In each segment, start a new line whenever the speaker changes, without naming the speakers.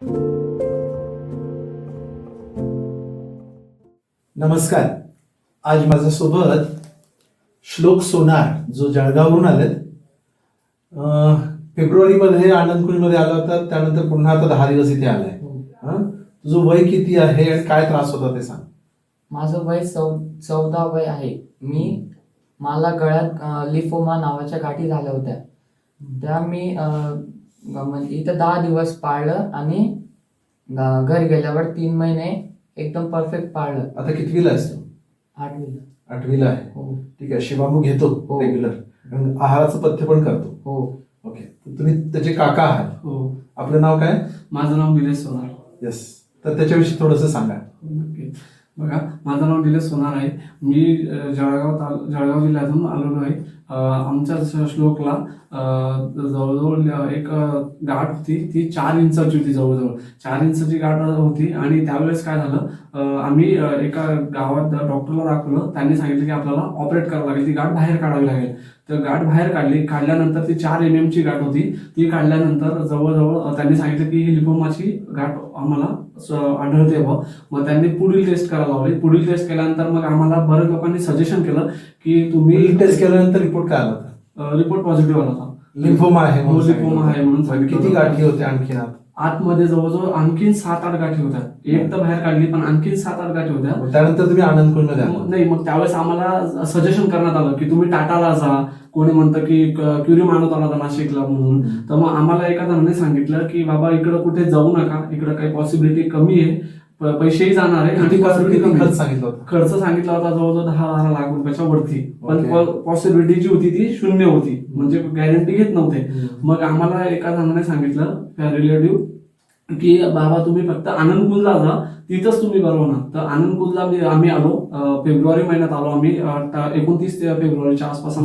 नमस्कार. आज माझ्यासोबत श्लोक सोनार जो जळगाववरून आलेत. फेब्रुवारीमध्ये आनंदकुंजमध्ये आला होता, त्यानंतर पुन्हा आता 10 दिवस इथे आलाय. तुझं वय किती आहे आणि काय त्रास होता ते सांग.
माझं वय 14 वय आहे. मला गळ्यात लिफोमा नावाच्या गाठी झाल्या होत्या. त्या मी म्हणजे इथं 10 दिवस पाळलं आणि घरी गेल्यावर 3 महिने एकदम परफेक्ट पाळलं.
आता कितवीला आहेस तू?
8वीला.
8वीला आहे.
हो.
ठीक आहे. शिवामू घेतो
हो.
रेग्युलर, आहाराचं पथ्य पण करतो.
हो.
ओके. तुम्ही त्याचे काका आहात.
हो.
आपलं नाव काय?
माझं नाव निलेश सोनार.
येस. तर त्याच्याविषयी थोडंसं सांगा.
नक्की. बघा, माझं नाव निलेश सोनार आहे. मी जळगाव जिल्ह्यातून आलेलो आहे. आमच्या श्लोकला जवळजवळ एक गाठ होती, ती 4 इंचाची होती. जवळजवळ 4 इंचाची गाठ होती. आणि त्यावेळेस काय झालं, आम्ही एका गावात डॉक्टरला दाखवलं. त्यांनी सांगितलं की आपल्याला ऑपरेट करावं लागेल, ती गाठ बाहेर काढावी लागेल. तर गाठ बाहेर काढल्यानंतर ती 4 mm ची गाठ होती. ती काढल्यानंतर जवळजवळ त्यांनी सांगितलं की ही लिपोमाची गाठ आम्हाला आढळते व मग त्यांनी पुढील टेस्ट करायला लावली. पुढील टेस्ट केल्यानंतर मग आम्हाला बऱ्याच लोकांनी सजेशन केलं की तुम्ही
टेस्ट केल्यानंतर रिपोर्ट काय आला होता?
रिपोर्ट पॉझिटिव्ह आला होता.
लिम्फोमा आहे
हो, लिम्फोमा आहे म्हणून सांगितलं.
किती गाठी होत्या आणखीन?
आतमध्ये जवळजवळ आणखीन 7-8 गाठी होत्या. एक तर बाहेर काढली, पण आणखीन 7-8 गाठी होत्या.
त्यानंतर तुम्ही आनंदकुंजमध्ये आला?
नाही, मग त्यावेळेस आम्हाला सजेशन करण्यात आलं की तुम्ही टाटाला जा. कोणी म्हणतं की क्युरी मानवताला जा नाशिकला म्हणून. तर मग आम्हाला एका जणांनी सांगितलं की बाबा इकडं कुठे जाऊ नका, इकडं काही पॉसिबिलिटी कमी आहे, पैसेही जाणार आहे.
किती
आणि
खर्च सांगितलं होतं?
खर्च सांगितला होता जवळजवळ 10 लाख रुपयाच्या वरती. पण
Okay.
पॉसिबिलिटी जी होती ती 0 होती, म्हणजे गॅरंटी घेत नव्हते. मग आम्हाला एका जणाने सांगितलं रिलेटिव्ह की बाबा तुम्ही फक्त आनंदकुंजला जा, तिथंच तुम्ही बरं होणार. तर आनंदकुंजला आम्ही आलो. फेब्रुवारी महिन्यात आलो आम्ही. 29 फेब्रुवारीच्या आसपास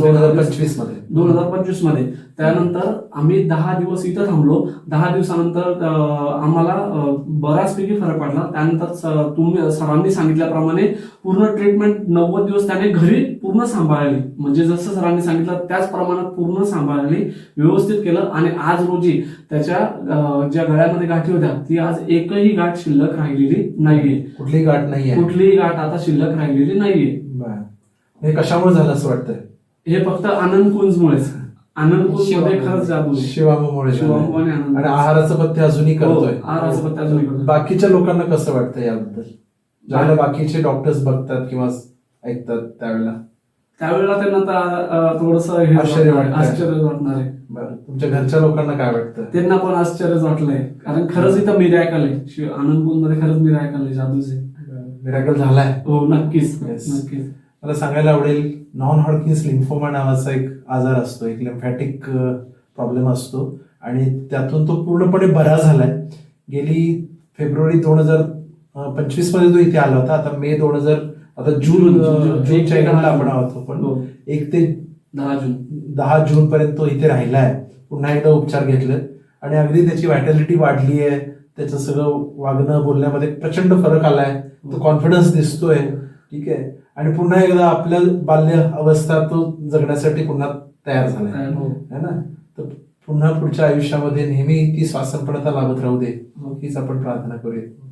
2025 मध्ये. त्यानंतर आम्ही 10 दिवस इथं थांबलो. 10 दिवसानंतर आम्हाला बराचपैकी फरक पडला. त्यानंतर तुम्ही सरांनी सांगितल्याप्रमाणे पूर्ण ट्रीटमेंट 90 दिवस त्याने घरी पूर्ण सांभाळली. म्हणजे जसं सरांनी सांगितलं त्याच प्रमाणात पूर्ण सांभाळली, व्यवस्थित केलं. आणि आज रोजी त्याच्या ज्या गळ्यामध्ये गाठी होत्या, ती आज एकही गाठ शिल्लक राहिलेली नाहीये.
कुठलीही गाठ नाहीये?
कुठलीही गाठ आता शिल्लक राहिलेली नाहीये.
हे कशामुळे झालं असं वाटतंय?
हे फक्त आनंदकुंजमुळेच. आनंदकुंजमध्ये खरंच जादू आहे.
शिवामुळे.
शिवामुळे आनंद.
आणि आहाराचं पथ्य अजूनही करतोय.
आहाराचं पथ्य अजूनही करतोय.
बाकीच्या लोकांना कसं वाटतं याबद्दल, ज्यावेळेला बाकीचे डॉक्टर्स बघतात किंवा ऐकतात
त्यावेळेला त्यांना थोडस
आश्चर्य
वाटणार आहे.
तुमच्या घरच्या लोकांना काय वाटतं?
त्यांना पण आश्चर्यच वाटलंय, कारण खरंच इथं मिरॅकल आहे. आनंदकुंज मध्ये खरंच मिरॅकल आहे, जादूच आहे.
मिरॅकल झालाय.
हो, नक्कीच.
Yes.
नक्कीच.
मला सांगायला आवडेल, नॉन हॉडकिन्स लिम्फोमा नावाचा एक आजार असतो, एक लिम्फॅटिक प्रॉब्लेम असतो आणि त्यातून तो पूर्णपणे बरा झालाय. गेली फेब्रुवारी 2025 मध्ये तो इथे आला होता. आता मे 2000 आता जूनच्या एंडला आपण आहोत. पण 1 ते 10 जून पर्यंत तो इथे राहिलाय. पुन्हा एकदा उपचार घेतले आणि अगदी त्याची व्हायटॅलिटी वाढली आहे. त्याचं सगळं वागणं बोलण्यामध्ये प्रचंड फरक आलाय. तो कॉन्फिडन्स दिसतोय. ठीक आहे. आणि पुन्हा एकदा आपल्या बाल्य अवस्था तो जगण्यासाठी पुन्हा तयार झालाय, है ना. तर पुन्हा पुढच्या आयुष्यामध्ये नेहमी ती स्वासनपणता लाभत राहू दे, हीच आपण प्रार्थना करूया.